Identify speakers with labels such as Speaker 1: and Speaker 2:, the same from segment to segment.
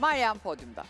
Speaker 1: Meryem podyumda.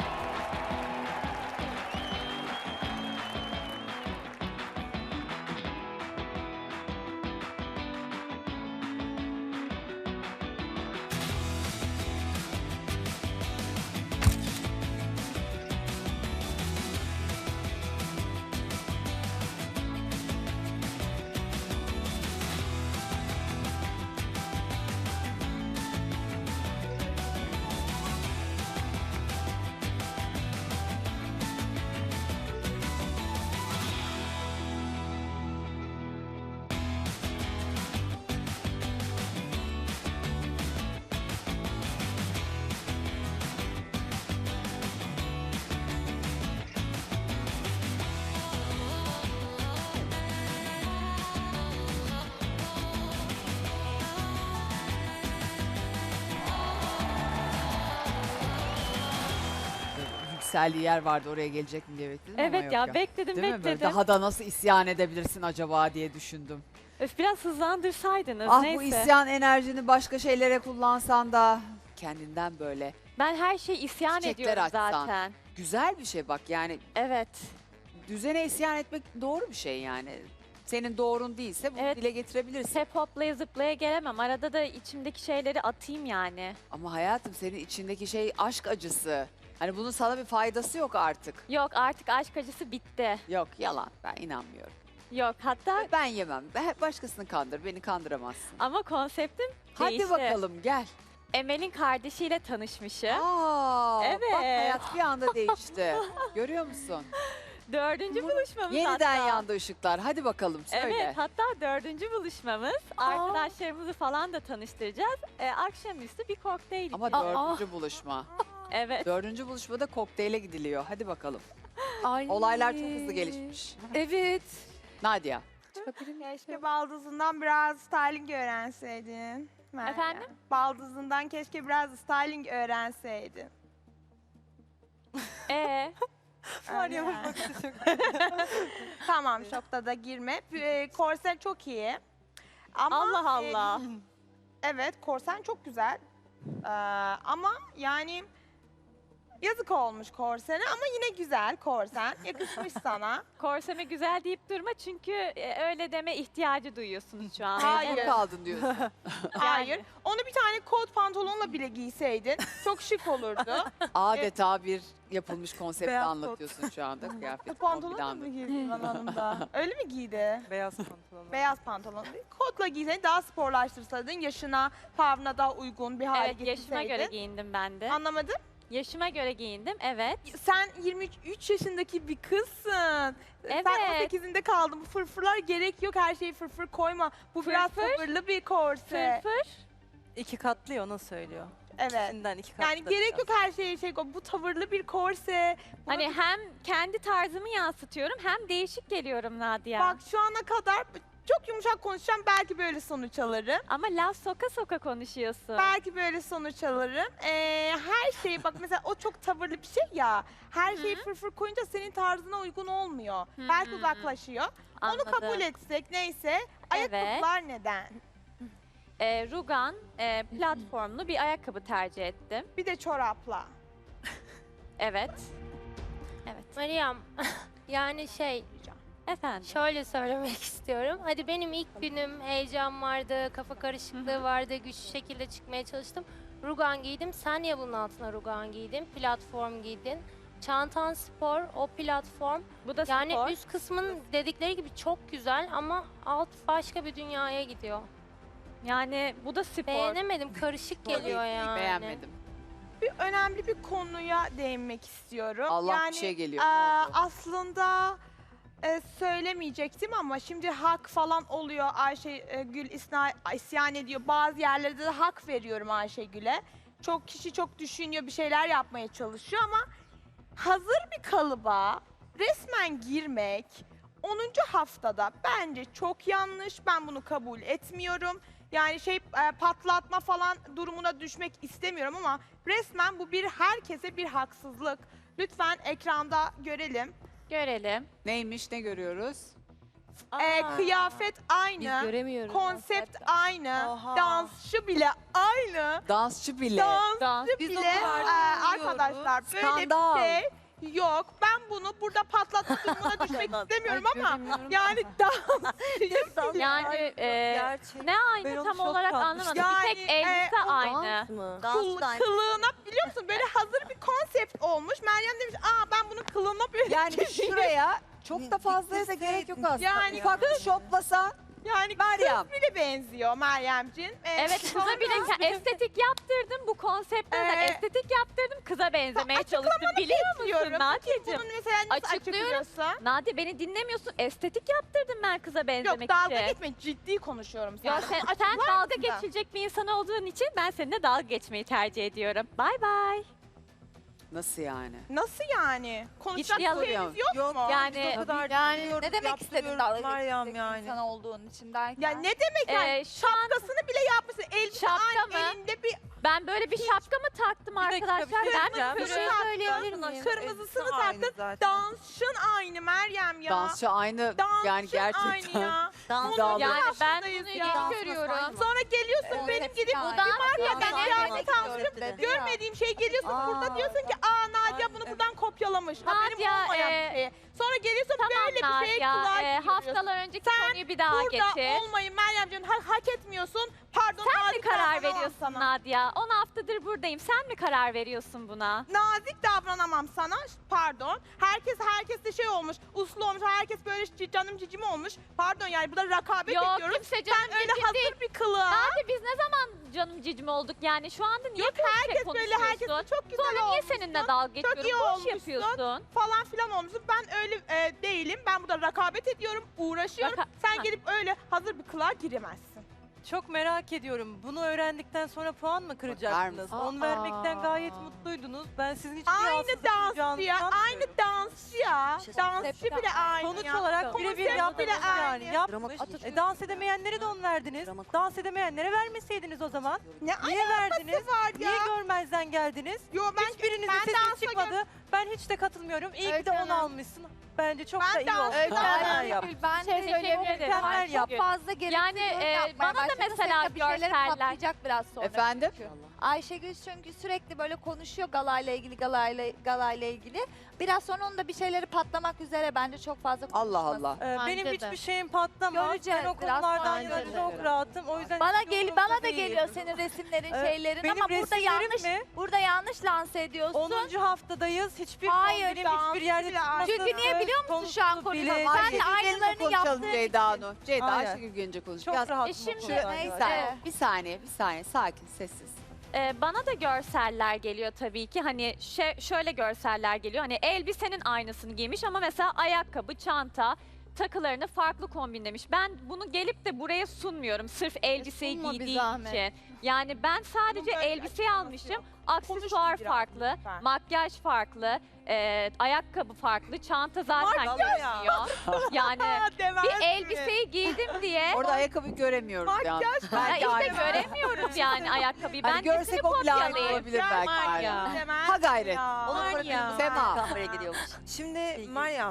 Speaker 1: Yükseldiği yer vardı, oraya gelecek mi diye bekledim ama
Speaker 2: Evet
Speaker 1: yok
Speaker 2: ya,
Speaker 1: ya.
Speaker 2: bekledim
Speaker 1: Değil mi? Böyle
Speaker 2: bekledim.
Speaker 1: daha da nasıl isyan edebilirsin acaba diye düşündüm.
Speaker 2: Öf, biraz hızlandırsaydınız,
Speaker 1: Ah,
Speaker 2: neyse.
Speaker 1: bu isyan enerjini başka şeylere kullansan da kendinden böyle
Speaker 2: Ben her şeyi isyan
Speaker 1: çiçekler
Speaker 2: ediyorum
Speaker 1: açsan.
Speaker 2: zaten.
Speaker 1: Güzel bir şey bak, yani
Speaker 2: Evet.
Speaker 1: düzene isyan etmek doğru bir şey yani. Senin doğrun değilse bunu
Speaker 2: Evet.
Speaker 1: dile getirebilirsin.
Speaker 2: Hep hoplaya zıplaya gelemem. Arada da içimdeki şeyleri atayım yani.
Speaker 1: Ama hayatım, senin içindeki şey aşk acısı. Hani bunun sana bir faydası yok artık.
Speaker 2: Yok, artık aşk acısı bitti.
Speaker 1: Yok, yalan, ben inanmıyorum.
Speaker 2: Yok, hatta
Speaker 1: Ben yemem. Başkasını kandır, beni kandıramazsın.
Speaker 2: ama konseptim
Speaker 1: Hadi
Speaker 2: değişti.
Speaker 1: bakalım, gel.
Speaker 2: Emel'in kardeşiyle tanışmışım.
Speaker 1: Aa,
Speaker 2: Evet.
Speaker 1: bak hayat bir anda değişti. Görüyor musun?
Speaker 2: 4. buluşmamız
Speaker 1: Yeniden
Speaker 2: hatta.
Speaker 1: yandı ışıklar. Hadi bakalım, söyle.
Speaker 2: Evet, hatta 4. buluşmamız. Arkadaşlarımızı falan da tanıştıracağız. Akşamüstü bir kokteyl
Speaker 1: Ama
Speaker 2: içeceğiz.
Speaker 1: dördüncü buluşma.
Speaker 2: Evet.
Speaker 1: Dördüncü buluşmada kokteyle gidiliyor. Hadi bakalım.
Speaker 3: Ay.
Speaker 1: Olaylar çok hızlı gelişmiş.
Speaker 3: Evet.
Speaker 1: Nadia.
Speaker 4: Keşke baldızından biraz styling öğrenseydin. Meryem.
Speaker 2: Efendim?
Speaker 4: Baldızından keşke biraz styling öğrenseydin.
Speaker 2: Meryem
Speaker 4: Tamam, şokta da girme. Korsen çok iyi. Ama,
Speaker 2: Allah Allah.
Speaker 4: evet, korsen çok güzel. Ama yani yazık olmuş korsene ama yine güzel korsen. Yakışmış sana.
Speaker 2: Korseme güzel deyip durma çünkü öyle deme ihtiyacı duyuyorsunuz şu an.
Speaker 4: Hayır.
Speaker 1: Mecbur kaldın diyorsun.
Speaker 4: Hayır. Onu bir tane kot pantolonla bile giyseydin çok şık olurdu.
Speaker 1: Adeta bir yapılmış konsepti
Speaker 3: Beyaz kot.
Speaker 1: anlatıyorsun şu anda. Kıyafet
Speaker 4: Kot pantolon da
Speaker 1: kombinandı.
Speaker 4: mı giydi hanımda? Öyle mi giydi?
Speaker 3: Beyaz pantolon.
Speaker 4: Beyaz pantolon. Kotla giyseydin daha sporlaştırsaydın. Yaşına, tavrına daha uygun bir hale
Speaker 2: Evet, yaşıma göre
Speaker 4: getirseydin.
Speaker 2: giyindim ben de.
Speaker 4: Anlamadım.
Speaker 2: Yaşıma göre giyindim, evet.
Speaker 4: Sen 23 yaşındaki bir kızsın.
Speaker 2: Evet.
Speaker 4: Sen 18'inde kaldın. Bu fırfırlar gerek yok. Her şeyi fırfır koyma. Bu biraz
Speaker 2: Fırfır?
Speaker 4: tavırlı bir korse.
Speaker 2: Fırfır.
Speaker 3: 2 katlı ya, onu söylüyor.
Speaker 4: Evet.
Speaker 3: İçinden 2 katlı.
Speaker 4: Yani gerek yok her şeye şey koy. Bu tavırlı bir korse. Buna
Speaker 2: Hani hem kendi tarzımı yansıtıyorum hem değişik geliyorum Nadia.
Speaker 4: bak şu ana kadar çok yumuşak konuşacağım. Belki böyle sonuç alırım.
Speaker 2: Ama laf soka soka konuşuyorsun.
Speaker 4: Belki böyle sonuç alırım. Her şeyi bak mesela o çok tavırlı bir şey ya. Her şeyi fırfır koyunca senin tarzına uygun olmuyor. Belki uzaklaşıyor.
Speaker 2: Anladım.
Speaker 4: Onu kabul etsek neyse. Ayakkabılar neden?
Speaker 2: Rugan platformlu bir ayakkabı tercih ettim.
Speaker 4: Bir de çorapla.
Speaker 2: Evet. Evet.
Speaker 5: Meryem, yani
Speaker 2: Efendim.
Speaker 5: şöyle söylemek istiyorum. Hadi benim ilk günüm heyecan vardı, kafa karışıklığı vardı, güçlü şekilde çıkmaya çalıştım. Rugan giydim. Sen niye bunun altına rugan giydin? Platform giydin. Çantan spor, o platform.
Speaker 2: Bu da
Speaker 5: Yani
Speaker 2: spor.
Speaker 5: üst kısmın dedikleri gibi çok güzel ama alt başka bir dünyaya gidiyor.
Speaker 2: Yani bu da spor.
Speaker 5: Beğenemedim, karışık geliyor yani.
Speaker 1: Beğenmedim.
Speaker 4: Önemli bir konuya değinmek istiyorum.
Speaker 1: Allah bir şey geliyor. Ne oldu?
Speaker 4: Aslında söylemeyecektim ama şimdi hak falan oluyor. Ayşegül isyan ediyor. Bazı yerlerde de hak veriyorum Ayşegül'e. Çok kişi çok düşünüyor, bir şeyler yapmaya çalışıyor ama hazır bir kalıba resmen girmek 10. haftada bence çok yanlış. Ben bunu kabul etmiyorum. Yani patlatma falan durumuna düşmek istemiyorum ama resmen bu herkese bir haksızlık. Lütfen ekranda görelim.
Speaker 2: Görelim.
Speaker 1: Neymiş, ne görüyoruz?
Speaker 4: Kıyafet aynı.
Speaker 5: göremiyoruz.
Speaker 4: Konsept aynı.
Speaker 3: Oha.
Speaker 4: Dansçı bile aynı.
Speaker 1: Dansçı bile.
Speaker 4: Dansçı
Speaker 3: Biz o
Speaker 4: bile
Speaker 3: kadar
Speaker 4: arkadaşlar böyle
Speaker 1: Skandal.
Speaker 4: bir şey yok. Ben bunu burada patlatma durumuna düşmek istemiyorum ama yani dansçı bile.
Speaker 2: Yani
Speaker 3: Gerçek.
Speaker 2: ne aynı
Speaker 3: Ben onu
Speaker 2: tam
Speaker 3: çok
Speaker 2: olarak
Speaker 3: sanmıştım.
Speaker 2: anlamadım. Bir
Speaker 4: Yani,
Speaker 2: tek elbise
Speaker 4: o
Speaker 2: aynı.
Speaker 4: Kılığına biliyor musun böyle hazır bir konsept olmuş. Meryem demiş ben bunun kılığına böyle
Speaker 1: Yani şuraya çok da fazlaya da gerek yok aslında.
Speaker 4: Yani
Speaker 1: Ufak bir şoplasa
Speaker 4: yani
Speaker 1: Meryem.
Speaker 4: kız bile benziyor Meryemciğim.
Speaker 2: Evet kıza bile estetik yaptırdım bu konseptten de estetik yaptırdım kıza benzemeye çalıştım biliyor musun
Speaker 4: Bekliyorum.
Speaker 2: Nadia'cığım?
Speaker 4: Bunun mesela nasıl
Speaker 2: Açıklıyorum.
Speaker 4: açıklıyorsun?
Speaker 2: Nadia beni dinlemiyorsun estetik yaptırdım ben kıza benzemek
Speaker 4: Yok dalga
Speaker 2: için.
Speaker 4: geçme ciddi konuşuyorum
Speaker 2: Yo,
Speaker 4: sana.
Speaker 2: sen
Speaker 4: Açıklar
Speaker 2: dalga
Speaker 4: mısın?
Speaker 2: geçilecek bir insan olduğun için ben seninle dalga geçmeyi tercih ediyorum. Bay bay.
Speaker 1: nasıl yani?
Speaker 4: Nasıl yani? Konuşacak
Speaker 2: yalan.
Speaker 4: şeyiniz yok
Speaker 3: Yok
Speaker 4: mu?
Speaker 2: Yani
Speaker 3: o kadar
Speaker 6: Yani
Speaker 3: biliyorum,
Speaker 6: ne demek istedin
Speaker 3: yaptırıyorum
Speaker 6: dalga
Speaker 3: Meryem
Speaker 6: geçecek
Speaker 3: yani.
Speaker 6: insan olduğun için derken?
Speaker 4: Ya ne demek yani?
Speaker 2: şu an
Speaker 4: Şapkasını bile yapmışsın. Elbise
Speaker 2: Şapka
Speaker 4: aynı
Speaker 2: mı?
Speaker 4: elinde bir
Speaker 2: ben böyle bir şapka mı taktım
Speaker 3: Bir dakika,
Speaker 2: arkadaşlar?
Speaker 3: bir şey
Speaker 2: Ben
Speaker 3: diyeceğim.
Speaker 2: bir
Speaker 4: Bir
Speaker 2: sürü-
Speaker 4: şey
Speaker 5: söyleyebilir miyim?
Speaker 4: kırmızısını
Speaker 3: Aynı
Speaker 4: taktın.
Speaker 3: zaten.
Speaker 4: Dansçın aynı Meryem ya.
Speaker 1: Dansçı aynı
Speaker 4: Dansçın
Speaker 1: yani gerçekten.
Speaker 4: aynı ya.
Speaker 1: iddialı.
Speaker 2: Yani ben
Speaker 4: Yaşındayız
Speaker 2: bunu
Speaker 4: ya.
Speaker 2: yeni görüyorum.
Speaker 4: Sonra geliyorsun benim gidip
Speaker 6: yani.
Speaker 4: bir markadan
Speaker 6: Dans
Speaker 4: kıyafet
Speaker 6: etmek
Speaker 4: almışım.
Speaker 6: dedi.
Speaker 4: Görmediğim şey geliyorsun burada diyorsun ki Nadia bunu buradan kopyalamış. Haberim
Speaker 2: Nadia,
Speaker 4: olmayan bir şey. Sonra geliyorsun böyle bir şey
Speaker 2: Nadia,
Speaker 4: kulağa giriyorsun.
Speaker 2: haftalar önceki konuyu bir daha
Speaker 4: Burada
Speaker 2: getir.
Speaker 4: olmayı Meryemciğim hak etmiyorsun. Pardon
Speaker 2: Sen mi
Speaker 4: nazik
Speaker 2: karar
Speaker 4: davranamam
Speaker 2: veriyorsun
Speaker 4: sana.
Speaker 2: Nadia? 10 haftadır buradayım. Sen mi karar veriyorsun buna?
Speaker 4: Nazik davranamam sana. Pardon. Herkes de şey olmuş. Uslu olmuş. Herkes böyle canım cicim olmuş. Pardon yani burada rekabet
Speaker 2: Yok
Speaker 4: ediyoruz.
Speaker 2: kimse canım
Speaker 4: Sen öyle
Speaker 2: cicim
Speaker 4: hazır
Speaker 2: değil.
Speaker 4: bir kılığa.
Speaker 2: Nadia biz ne zaman canım cicim olduk yani? Şu anda niye
Speaker 4: Yok
Speaker 2: böyle
Speaker 4: herkes böyle
Speaker 2: konuşuyorsun?
Speaker 4: herkes çok güzel
Speaker 2: Sonra niye
Speaker 4: olmuşsun
Speaker 2: seninle dalga geçiyorum?
Speaker 4: iyi
Speaker 2: Boş
Speaker 4: olmuşsun.
Speaker 2: yapıyorsun.
Speaker 4: falan filan olmuşsun. Ben öyle değilim. Ben burada rekabet ediyorum. Uğraşıyorum. Sen
Speaker 2: Ha.
Speaker 4: gelip öyle hazır bir kılığa giremezsin.
Speaker 3: Çok merak ediyorum. Bunu öğrendikten sonra puan mı kıracaktınız?
Speaker 1: mısın?
Speaker 3: 10 vermekten gayet mutluydunuz. Ben sizin hiçbir
Speaker 4: Aynı
Speaker 3: rahatsızlık
Speaker 4: dansçı
Speaker 3: duyacağınızı
Speaker 4: ya. Aynı
Speaker 3: sanmıyorum.
Speaker 4: dansçı ya. Dansçı bile aynı
Speaker 3: Sonuç
Speaker 4: ya.
Speaker 3: olarak birebir
Speaker 4: Konsept
Speaker 3: yaptınız
Speaker 4: bile
Speaker 3: yani.
Speaker 4: aynı.
Speaker 3: Yapmış. Dans edemeyenlere de 10 verdiniz. Dans edemeyenlere vermeseydiniz o zaman.
Speaker 4: Ne
Speaker 3: Niye verdiniz?
Speaker 4: var ya?
Speaker 3: Niye görmezden geldiniz?
Speaker 4: Yo ben
Speaker 3: Hiçbirinizin
Speaker 4: ben
Speaker 3: sesi
Speaker 4: dansa
Speaker 3: çıkmadı. Ben hiç de katılmıyorum. İyi ki de 10
Speaker 6: Hanım.
Speaker 3: almışsın. Bence çok
Speaker 4: Ben
Speaker 3: da iyi
Speaker 4: dans-
Speaker 3: oldu.
Speaker 4: Evet,
Speaker 3: Mükemmel
Speaker 6: Aynen.
Speaker 3: yaptın.
Speaker 6: Ben de
Speaker 2: Teşekkür
Speaker 6: söyleyebilirim.
Speaker 2: ederim.
Speaker 3: Mükemmel
Speaker 6: Çok
Speaker 3: yaptın.
Speaker 6: fazla gereksiz
Speaker 2: Yani,
Speaker 6: yorum yapmaya
Speaker 2: bana da
Speaker 6: başladı.
Speaker 2: mesela
Speaker 6: Senin de bir şeyleri
Speaker 2: görseller-
Speaker 6: patlayacak biraz sonra.
Speaker 1: Efendim?
Speaker 6: çünkü. Ayşegül çünkü sürekli böyle konuşuyor galayla ilgili. Biraz sonra onun da bir şeyleri patlamak üzere bence çok fazla
Speaker 1: Allah
Speaker 6: konuşmasın.
Speaker 1: Allah.
Speaker 3: Benim
Speaker 5: Bence de.
Speaker 3: hiçbir şeyim patlamaz.
Speaker 6: Göreceğiz
Speaker 3: Ben o
Speaker 6: biraz
Speaker 3: konulardan
Speaker 6: sonra.
Speaker 3: yana çok rahatım. O yüzden
Speaker 6: Bana
Speaker 3: hiç umurumda
Speaker 6: bana da
Speaker 3: değil.
Speaker 6: geliyor senin resimlerin, şeylerin
Speaker 3: Benim
Speaker 6: ama burada
Speaker 3: resimlerim
Speaker 6: yanlış
Speaker 3: mi?
Speaker 6: burada yanlış lanse ediyorsun.
Speaker 3: 10. haftadayız. Hiçbir
Speaker 6: Hayır,
Speaker 3: kombinin hiçbir yerde
Speaker 4: dansçı
Speaker 3: çıkması.
Speaker 6: Çünkü niye biliyor musun şu an
Speaker 3: konusu
Speaker 6: konuşuyorsun?
Speaker 3: bile
Speaker 6: Sen de
Speaker 3: değil.
Speaker 6: aynılarını
Speaker 1: konuşalım
Speaker 6: yaptığın
Speaker 1: Ceyda
Speaker 6: için.
Speaker 1: Hanım. Ceyda
Speaker 3: Aynen.
Speaker 1: Ayşegül gelince konuş.
Speaker 3: Çok
Speaker 1: Biraz-
Speaker 3: rahat.
Speaker 2: şimdi-
Speaker 1: Bir saniye, bir saniye, sakin, sessiz.
Speaker 2: Bana da görseller geliyor tabii ki. Hani şöyle görseller geliyor. Hani elbisenin aynısını giymiş ama mesela ayakkabı, çanta, takılarını farklı kombinlemiş. Ben bunu gelip de buraya sunmuyorum sırf elbiseyi
Speaker 5: sunma bir
Speaker 2: giydiğim
Speaker 5: zahmet.
Speaker 2: için. Yani ben sadece
Speaker 4: Bunun böyle
Speaker 2: elbiseyi
Speaker 4: açıklaması
Speaker 2: almışım.
Speaker 4: yok.
Speaker 2: Aksesuar
Speaker 4: Konuşun biraz
Speaker 2: farklı,
Speaker 4: lütfen.
Speaker 2: makyaj farklı, ayakkabı farklı, çanta zaten
Speaker 3: Makyaj ya.
Speaker 2: görünüyor. Yani
Speaker 4: Demez
Speaker 2: bir
Speaker 4: mi?
Speaker 2: elbiseyi giydim diye
Speaker 1: Orada ayakkabıyı göremiyoruz
Speaker 4: Makyaj
Speaker 1: yalnız.
Speaker 2: ya
Speaker 1: Belki
Speaker 2: işte
Speaker 1: aynı.
Speaker 2: göremiyoruz yani ayakkabıyı. Ben
Speaker 1: Hani
Speaker 2: nesini
Speaker 1: görsek o bile aynı
Speaker 2: kopyalayayım?
Speaker 1: olabilir belki.
Speaker 4: Makyaj
Speaker 1: yani.
Speaker 4: demez
Speaker 1: Ha gayret.
Speaker 4: ya.
Speaker 3: Var ya.
Speaker 1: Sema.
Speaker 7: kameraya gidiyormuş. Şimdi Meryem,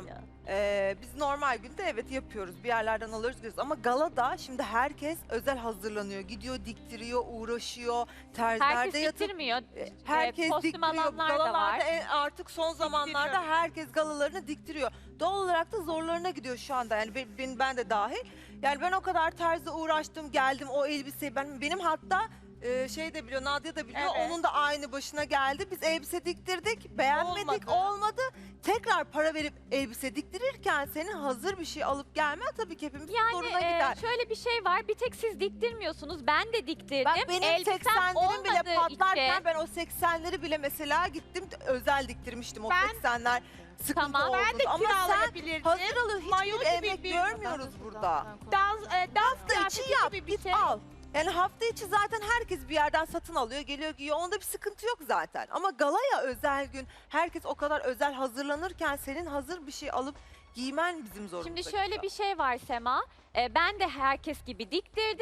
Speaker 7: biz normal günde evet yapıyoruz. Bir yerlerden alıyoruz gidiyoruz. Ama galada şimdi herkes özel hazırlanıyor. Gidiyor, diktiriyor, uğraşıyor. Terzilerde
Speaker 2: Herkes
Speaker 7: yatıp
Speaker 2: bitirmiyor.
Speaker 7: herkes
Speaker 2: Kostüm
Speaker 7: diktiriyor.
Speaker 2: alanlar da
Speaker 7: Galalarda
Speaker 2: var.
Speaker 7: artık son zamanlarda herkes galalarını diktiriyor. Doğal olarak da zorlarına gidiyor şu anda. Yani ben de dahil. Yani ben o kadar terzi uğraştım, geldim o elbiseyi. Benim hatta şey de biliyor, Nadia da biliyor.
Speaker 4: Evet.
Speaker 7: Onun da aynı başına geldi. Biz elbise diktirdik, beğenmedik, olmadı. Tekrar para verip elbise diktirirken senin hazır bir şey alıp gelmen tabii ki hepimizin zoruna
Speaker 2: Yani
Speaker 7: gider.
Speaker 2: şöyle bir şey var. Bir tek siz diktirmiyorsunuz. Ben de diktirdim.
Speaker 7: Bak benim
Speaker 2: Elbisem
Speaker 7: 80'lerim bile
Speaker 2: olmadığı
Speaker 7: patlarken
Speaker 2: için-
Speaker 7: ben o 80'leri bile mesela gittim özel diktirmiştim o
Speaker 4: Ben-
Speaker 7: 80'ler sıkıntı
Speaker 2: Tamam.
Speaker 7: oldu.
Speaker 4: Ben de
Speaker 7: Ama sen
Speaker 4: kiralayabilirdim.
Speaker 7: hazır alıyor,
Speaker 4: Mayo
Speaker 7: hiçbir
Speaker 4: gibi
Speaker 7: emek
Speaker 4: bir-
Speaker 7: görmüyoruz burada.
Speaker 4: Dans
Speaker 7: Hafta içi
Speaker 4: kıyafeti
Speaker 7: yap,
Speaker 4: gibi bir
Speaker 7: git
Speaker 4: şey.
Speaker 7: al. Yani hafta içi zaten herkes bir yerden satın alıyor, geliyor giyiyor. Onda bir sıkıntı yok zaten. Ama galaya özel gün herkes o kadar özel hazırlanırken senin hazır bir şey alıp giymen bizim zorumuzda.
Speaker 2: Şimdi şöyle bir şey var Sema. Ben de herkes gibi diktirdim.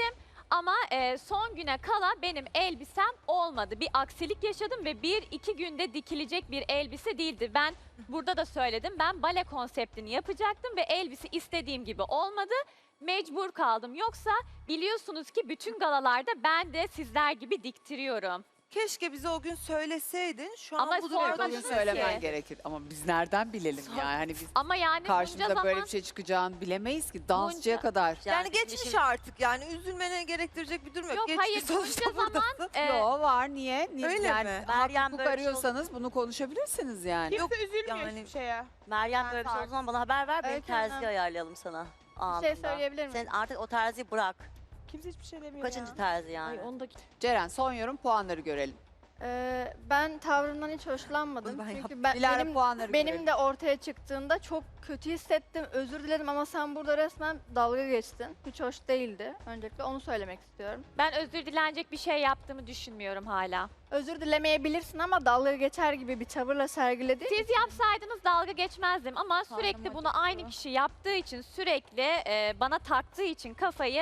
Speaker 2: Ama son güne kala benim elbisem olmadı. Bir aksilik yaşadım ve 1-2 günde dikilecek bir elbise değildi. Ben burada da söyledim. Ben bale konseptini yapacaktım ve elbise istediğim gibi olmadı. Mecbur kaldım. Yoksa biliyorsunuz ki bütün galalarda ben de sizler gibi diktiriyorum.
Speaker 7: Keşke bize o gün söyleseydin. Şu
Speaker 2: Ama
Speaker 7: an bu
Speaker 1: Evet,
Speaker 7: durumda
Speaker 2: sormadınız
Speaker 1: bugün
Speaker 2: ki.
Speaker 1: söylemen gerekir. Ama biz nereden bilelim yani? Hani biz
Speaker 2: Ama yani bunca
Speaker 1: karşımıza
Speaker 2: zaman
Speaker 1: böyle bir şey çıkacağını bilemeyiz ki. Dansçıya
Speaker 2: Bunca-
Speaker 1: kadar.
Speaker 7: Yani geçmiş artık yani üzülmene gerektirecek bir durum yok.
Speaker 2: Yok,
Speaker 7: Geçmiş
Speaker 2: hayır,
Speaker 7: sonuçta
Speaker 2: bunca zaman,
Speaker 7: buradasın.
Speaker 1: Yo var niye?
Speaker 7: Öyle
Speaker 1: yani,
Speaker 7: mi?
Speaker 8: Meryem
Speaker 1: hukuk
Speaker 8: böyle bir şey
Speaker 1: arıyorsanız bunu konuşabilirsiniz yani.
Speaker 4: Kimse üzülmüyor
Speaker 7: yani-
Speaker 4: hiçbir şeye.
Speaker 8: Meryem
Speaker 4: Ben
Speaker 8: böyle bir şey o
Speaker 4: fark-
Speaker 8: zaman bana haber ver. Benim
Speaker 9: Öykü Hanım.
Speaker 8: terziyi ayarlayalım sana.
Speaker 9: Bir şey
Speaker 8: Anında.
Speaker 9: söyleyebilir miyim?
Speaker 8: Sen artık o terziyi bırak.
Speaker 4: Kimse hiçbir şey demiyor
Speaker 8: Kaçıncı
Speaker 4: ya.
Speaker 8: terzi yani?
Speaker 1: Ceren son yorum puanları görelim.
Speaker 9: Ben tavrından hiç hoşlanmadım.
Speaker 7: Ben
Speaker 9: Çünkü ben,
Speaker 1: Dilara puanları görelim.
Speaker 9: benim de ortaya çıktığında çok kötü hissettim. Özür dilerim ama sen burada resmen dalga geçtin. Hiç hoş değildi. Öncelikle onu söylemek istiyorum.
Speaker 2: ben özür dilenecek bir şey yaptığımı düşünmüyorum hala.
Speaker 9: Özür dilemeyebilirsin ama dalga geçer gibi bir tavırla sergiledin.
Speaker 2: Siz yapsaydınız dalga geçmezdim ama sürekli
Speaker 9: Karnım
Speaker 2: bunu aynı
Speaker 9: acıktı.
Speaker 2: kişi yaptığı için, sürekli bana taktığı için kafayı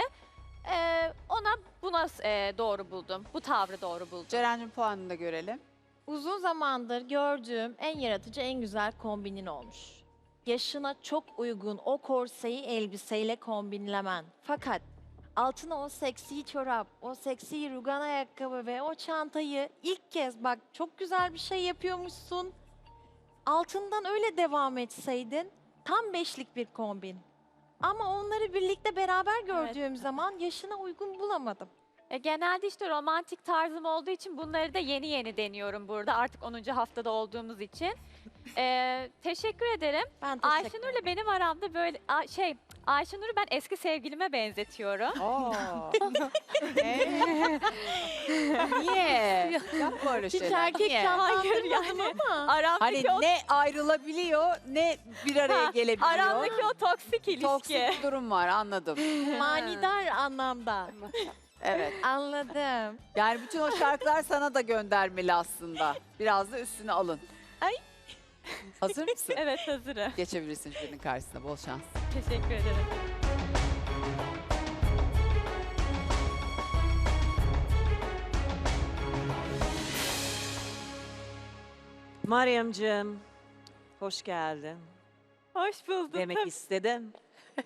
Speaker 2: buna doğru buldum. Bu tavrı doğru buldum.
Speaker 1: Ceren'cim puanını da görelim.
Speaker 10: Uzun zamandır gördüğüm en yaratıcı, en güzel kombinin olmuş. Yaşına çok uygun o korseyi elbiseyle kombinlemen. Fakat altına o seksi çorap, o seksi rugan ayakkabı ve o çantayı ilk kez bak çok güzel bir şey yapıyormuşsun. Altından öyle devam etseydin tam beşlik bir kombin. Ama onları birlikte beraber gördüğüm zaman yaşına uygun bulamadım.
Speaker 2: Genelde işte romantik tarzım olduğu için bunları da yeni yeni deniyorum burada. Artık 10. haftada olduğumuz için. Teşekkür ederim.
Speaker 10: Ben teşekkür
Speaker 2: Ayşenur'la benim aramda böyle Ayşenur'u ben eski sevgilime benzetiyorum.
Speaker 1: Oo. Niye? Yapma öyle
Speaker 10: Hiç
Speaker 1: şeyler.
Speaker 10: erkek
Speaker 2: Hayır
Speaker 10: canlandırmadım
Speaker 2: yani.
Speaker 10: ama.
Speaker 1: Hani
Speaker 2: Aramdaki o
Speaker 1: ne ayrılabiliyor ne bir araya gelebiliyor.
Speaker 2: aramdaki o toksik ilişki.
Speaker 1: Toksik bir durum var anladım.
Speaker 10: Manidar anlamda.
Speaker 1: Evet.
Speaker 10: Anladım.
Speaker 1: Yani bütün o şarkılar sana da göndermeli aslında. Biraz da üstüne alın.
Speaker 10: Ay.
Speaker 1: Hazır mısın?
Speaker 2: Evet, hazırım.
Speaker 1: Geçebilirsin jürinin karşısına. Bol şans.
Speaker 2: Teşekkür ederim.
Speaker 11: Meryemciğim, hoş geldin.
Speaker 2: Hoş bulduk.
Speaker 11: Demek istedim.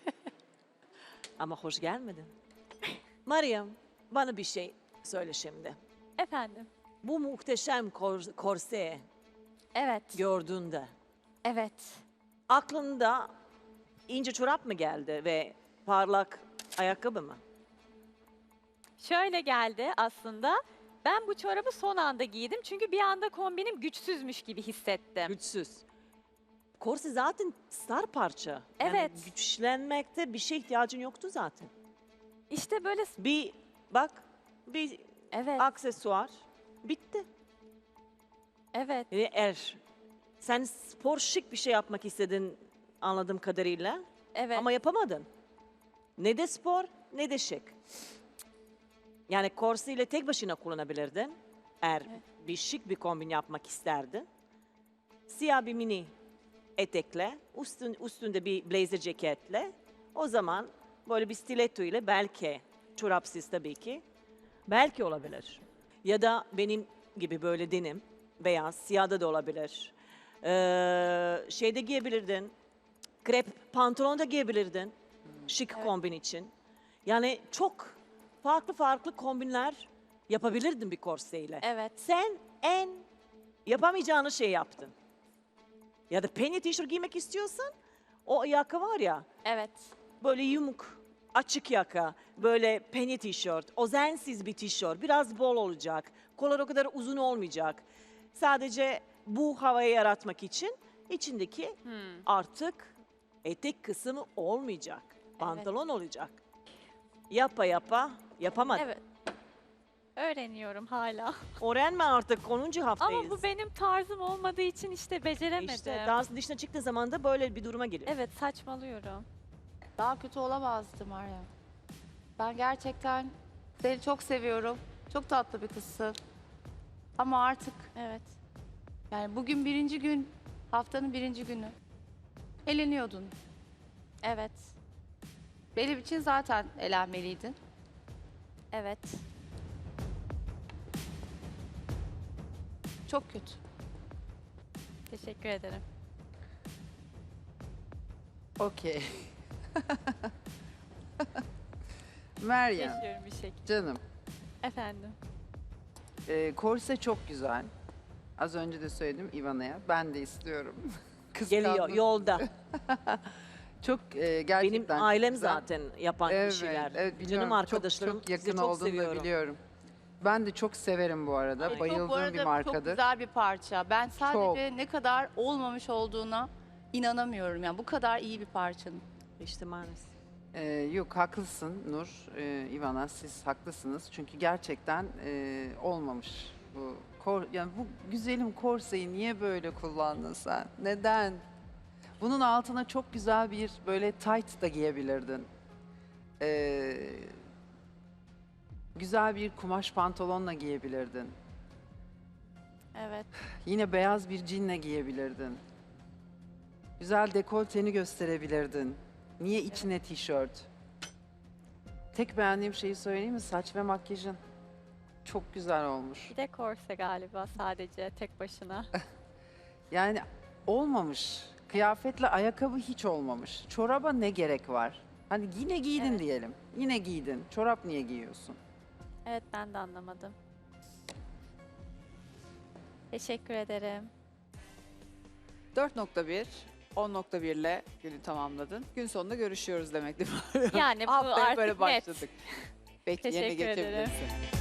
Speaker 11: Ama hoş gelmedin. Meryem, bana bir şey söyle şimdi.
Speaker 2: Efendim.
Speaker 11: Bu muhteşem korse
Speaker 2: Evet.
Speaker 11: gördüğünde
Speaker 2: Evet.
Speaker 11: aklında ince çorap mı geldi ve parlak ayakkabı mı?
Speaker 2: Şöyle geldi aslında. Ben bu çorabı son anda giydim çünkü bir anda kombinim güçsüzmüş gibi hissettim.
Speaker 11: Güçsüz. Korse zaten star parça.
Speaker 2: Evet.
Speaker 11: Yani güçlenmekte bir şey ihtiyacın yoktu zaten.
Speaker 2: İşte böyle
Speaker 11: Bir bak, bir
Speaker 2: evet,
Speaker 11: aksesuar bitti.
Speaker 2: evet.
Speaker 11: Eğer sen spor şık bir şey yapmak istedin anladığım kadarıyla
Speaker 2: Evet.
Speaker 11: ama yapamadın. Ne de spor ne de şık. Yani korseyle tek başına kullanabilirdin. Eğer bir şık bir kombin yapmak isterdin. Siyah bir mini etekle, üstünde bir blazer ceketle o zaman böyle bir stiletto ile belki çorapsız tabii ki belki olabilir. Ya da benim gibi böyle denim beyaz, siyahda da olabilir. Şeyde giyebilirdin, krep pantolon da giyebilirdin şık kombin için. Yani çok farklı kombinler yapabilirdin bir korseyle.
Speaker 2: Evet.
Speaker 11: Sen en yapamayacağını şey yaptın. Ya da penye tişört giymek istiyorsan o yaka var ya
Speaker 2: Evet.
Speaker 11: böyle yumuk, açık yaka, böyle penye tişört, özensiz bir tişört, biraz bol olacak, kollar o kadar uzun olmayacak. Sadece bu havayı yaratmak için içindeki artık etek kısmı olmayacak, pantolon olacak. Yapa yapamadın.
Speaker 2: Evet. Öğreniyorum hala.
Speaker 11: Öğrenme artık 10. haftayız.
Speaker 2: Ama bu benim tarzım olmadığı için işte beceremedim.
Speaker 11: İşte dans dışına çıktığın zaman da böyle bir duruma gelir.
Speaker 2: Evet, saçmalıyorum.
Speaker 12: Daha kötü olamazdı Meryem. Ben gerçekten seni çok seviyorum. Çok tatlı bir kızsın. Ama artık
Speaker 2: Evet.
Speaker 12: yani bugün birinci gün, haftanın birinci günü. Eleniyordun.
Speaker 2: Evet.
Speaker 12: Benim için zaten elenmeliydin.
Speaker 2: Evet.
Speaker 12: Çok kötü.
Speaker 2: Teşekkür ederim.
Speaker 13: Okey. Meryem,
Speaker 2: Yaşıyorum bir şekilde.
Speaker 13: canım.
Speaker 2: Efendim.
Speaker 13: Korse çok güzel. Az önce de söyledim Ivana'ya. Ben de istiyorum.
Speaker 11: Geliyor
Speaker 13: Kıskandım.
Speaker 11: yolda.
Speaker 13: Çok gerçekten
Speaker 11: Benim ailem
Speaker 13: güzel.
Speaker 11: zaten yapan
Speaker 13: Evet,
Speaker 11: kişiler.
Speaker 13: evet biliyorum.
Speaker 11: Canım arkadaşlarım
Speaker 13: çok, çok
Speaker 11: sizi
Speaker 13: yakın
Speaker 11: çok
Speaker 13: olduğunu da
Speaker 11: seviyorum.
Speaker 13: biliyorum. Ben de çok severim bu arada.
Speaker 12: Çok, bu
Speaker 13: Bayıldığım
Speaker 12: arada
Speaker 13: bir
Speaker 12: çok
Speaker 13: markadır.
Speaker 12: güzel bir parça. Ben sadece ne kadar olmamış olduğuna inanamıyorum. Yani bu kadar iyi bir parçanın.
Speaker 11: İşte maalesef.
Speaker 13: Yok haklısın Nur, Ivana siz haklısınız. Çünkü gerçekten olmamış bu. Yani bu güzelim korseyi niye böyle kullandın sen? Neden? Bunun altına çok güzel bir böyle tight da giyebilirdin. Güzel bir kumaş pantolonla giyebilirdin.
Speaker 2: Evet.
Speaker 13: Yine beyaz bir jeanle giyebilirdin. Güzel dekolteni gösterebilirdin. Niye içine tişört? Tek beğendiğim şeyi söyleyeyim mi? Saç ve makyajın. Çok güzel olmuş.
Speaker 2: Bir de korse galiba sadece tek başına.
Speaker 13: Yani olmamış. Kıyafetle ayakkabı hiç olmamış. Çoraba ne gerek var? Hani yine giydin
Speaker 2: Evet.
Speaker 13: diyelim. Yine giydin. Çorap niye giyiyorsun?
Speaker 2: Evet ben de anlamadım. Teşekkür ederim.
Speaker 1: 4.1, 10.1 ile günü tamamladın. Gün sonunda görüşüyoruz demek değil mi?
Speaker 2: Yani bu
Speaker 1: Haftaya
Speaker 2: artık
Speaker 1: böyle
Speaker 2: net.
Speaker 1: başladık. Peki yerine
Speaker 2: Teşekkür ederim.
Speaker 1: geçebilirsin.